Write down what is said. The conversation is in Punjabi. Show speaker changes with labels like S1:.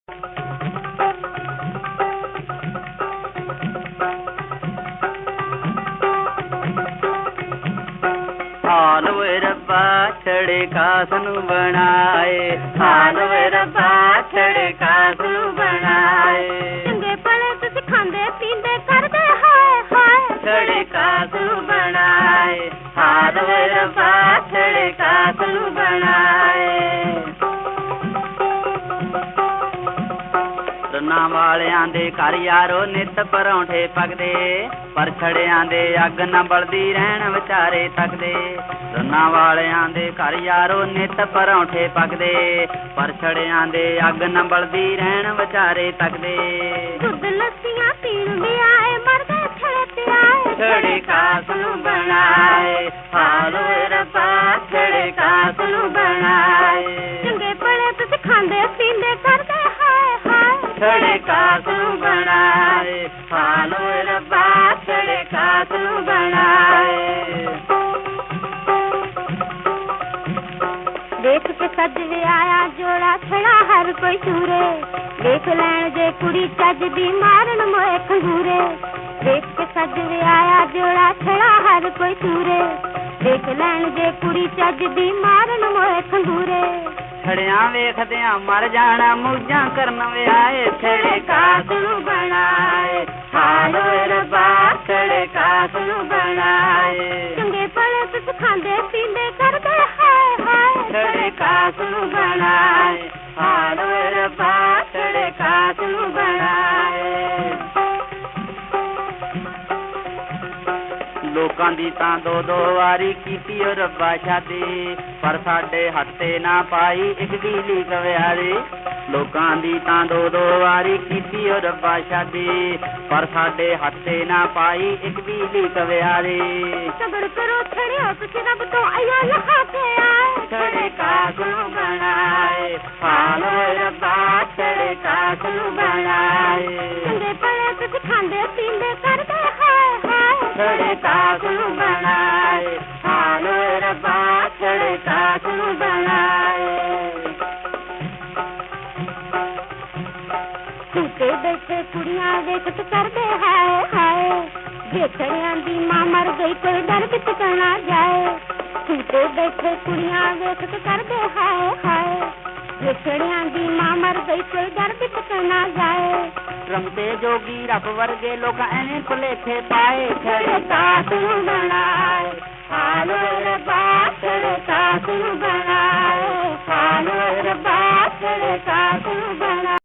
S1: ਹਾਲ ਵੇ ਰੱਬਾ ਛੜੇ ਕਾਸ ਨੂੰ ਬਣਾਏ, ਹਾਲ ਵੇ ਰੱਬਾ ਛੜੇ ਕਾਸ ਨੂੰ ਬਣਾਏ।
S2: ਚੰਗੇ ਭਲੇ ਤੁਸੀਂ ਖਾਂਦੇ ਪੀਂਦੇ ਕਰਦੇ ਹਾਏ ਹਾਏ,
S1: ਛੜੇ ਕਾਸ ਨੂੰ ਬਣਾਏ, ਹਾਲ ਵੇ ਰੱਬਾ ਛੜੇ ਕਾਸ ਨੂੰ ਬਣਾਏ। ਰੰਨਾਂ ਵਾਲਿਆਂ ਦੇ ਘਰ ਯਾਰੋ ਨਿੱਤ ਪਰੌਂਠੇ ਪੱਕਦੇ, ਪਰ ਛੜਿਆਂ ਦੇ ਅੱਗ ਨਾ ਬਲਦੀ ਰਹਿਣ ਵਿਚਾਰੇ ਤੱਕਦੇ। ਰੰਨਾਂ ਵਾਲਿਆਂ ਦੇ ਘਰ ਯਾਰੋ ਨਿੱਤ ਪਰੌਂਠੇ ਪੱਕਦੇ, ਪਰ ਛੜਿਆਂ ਦੇ ਅੱਗ ਨਾ ਬਲਦੀ ਰਹਿਣ ਵਿਚਾਰੇ ਤੱਕਦੇ।
S2: ਦੁੱਧ ਲੱਸੀਆਂ ਪੀਣ ਵੀ ਆਏ, ਮਰਦੇ ਛੜੇ ਤੇ ਆਏ,
S1: ਛੜੇ ਕਾਸ ਨੂੰ ਬਣਾਏ, ਹਾਲ ਵੇ ਰੱਬਾ ਛੜੇ ਕਾਸ ਨੂੰ ਬਣਾਏ।
S2: ਚੰਗੇ ਭਲੇ ਤੁਸੀਂ ਖਾਂਦੇ ਪੀਂਦੇ ਕਰਦੇ ਹਾਏ ਹਾਏ,
S1: ਛੜੇ ਕਾਸ ਨੂੰ ਬਣਾਏ, ਹਾਲ ਵੇ ਰੱਬਾ ਛੜੇ ਕਾਸ ਨੂੰ ਬਣਾਏ।
S2: ਦੇਖ ਕੇ ਸੱਜ ਵਿਆਇਆ ਜੋੜਾ ਛੜਾ ਹਰ ਕੋਈ ਸੂਰੇ, ਦੇਖ ਲੈਣ ਜੇ ਕੁੜੀ ਚੱਜ ਦੀ ਮਾਰਨ ਮੋਏ ਖੰਗੂਰੇ। ਦੇਖ ਕੇ ਸੱਜ ਵਿਆਇਆ ਜੋੜਾ ਛੜਾ ਹਰ ਕੋਈ ਸੂਰੇ, ਦੇਖ ਲੈਣ ਜੇ ਕੁੜੀ ਚੱਜ ਦੀ ਮਾਰਨ ਮੋਏ ਖੰਗੂਰੇ।
S1: ਛੜਿਆਂ ਵੇਖਦਿਆਂ ਮਰ ਜਾਣਾ ਮੌਜਾਂ ਕਰਨ ਵਿਆਏ, ਛੜੇ ਕਾਸ ਨੂੰ ਬਣਾਏ, ਹਾਲ ਵੇ ਰੱਬਾ ਛੜੇ ਕਾਸ ਨੂੰ ਬਣਾਏ।
S2: ਚੰਗੇ ਭਲੇ ਤੁਸੀਂ ਖਾਂਦੇ ਪੀਂਦੇ ਕਰਦੇ ਹਾਏ ਹਾਏ,
S1: ਛੜੇ ਕਾਸ ਨੂੰ ਬਣਾਏ, ਹਾਲ ਵੇ ਰੱਬਾ ਛੜੇ ਕਾਸ ਨੂੰ ਬਣਾਏ। ਲੋਕਾਂ ਦੀ ਤਾਂ ਦੋ ਦੋ ਵਾਰੀ ਕੀਤੀ ਓ ਰੱਬਾ ਸ਼ਾਦੀ, ਪਰ ਸਾਡੇ ਹੱਥੇ ਨਾ ਪਾਈ ਇੱਕ ਗੀਲੀ ਕਵਿਆਰੀ। ਲੋਕਾਂ ਦੀ ਤਾਂ ਦੋ ਦੋ ਵਾਰੀ ਕੀਤੀ ਓ ਰੱਬਾ ਸ਼ਾਦੀ, ਪਰ ਸਾਡੇ ਹੱਥੇ ਨਾ ਪਾਈ ਇੱਕ ਗੀਲੀ ਕਵਿਆਰੀ।
S2: ਸਬਰ ਕਰੋ ਛੜਿਓ ਤੁਸੀਂ ਰੱਬ ਤੋਂ ਆਇਆ ਲਹਾ ਕੇ ਆਏ,
S1: ਛੜੇ ਕਾਸ ਨੂੰ ਬਣਾਏ, ਹਾਲ ਵੇ ਰੱਬਾ ਛੜੇ ਕਾਸ ਨੂੰ ਬਣਾਏ।
S2: ਚੰਗੇ ਭਲੇ ਤੁਸੀਂ ਖਾਂਦੇ ਪੀਂਦੇ ਕਰਦੇ ਹਾਏ ਹਾਏ,
S1: ਛੜੇ ਕਾਸ ਨੂੰ ਬਣਾਏ, ਹਾਲ ਵੇ ਰੱਬਾ ਛੜੇ ਕਾਸ ਨੂੰ ਬਣਾਏ।
S2: ਝੂਟੇ ਬੈਠੇ ਕੁੜੀਆਂ ਵੇਖਤ ਕਰਦੇ ਹਾਏ ਹਾਏ, ਵੇਖੜਿਆਂ ਦੀ ਮਾਂ ਮਰ ਗਈ ਕੋਈ ਦਰ ਵਿੱਚ ਕਹਿਣਾ ਜਾਏ। ਝੂਟੇ ਬੈਠੇ ਕੁੜੀਆਂ ਵੇਖਤ ਕਰਦੇ ਹਾਏ ਹਾਏ, ਵੇਖੜਿਆਂ ਦੀ ਮਾਂ ਮਰ ਗਈ ਕੋਈ ਦਰ ਵਿੱਚ ਕਹਿਣਾ ਜਾਏ।
S1: ਰਮਤੇ ਜੋਗੀ ਰੱਬ ਵਰਗੇ ਲੋਕ ਐਵੇਂ ਭੁਲੇਖੇ ਪਾਏ, ਛੜੇ ਕਾਸ ਨੂੰ ਬਣਾਏ, ਹਾਲ ਵੇ ਰੱਬਾ ਛੜੇ ਕਾਸ ਨੂੰ ਬਣਾਏ, ਹਾਲ ਵੇ ਰੱਬਾ ਛੜੇ ਕਾਸ ਨੂੰ ਬਣਾਏ।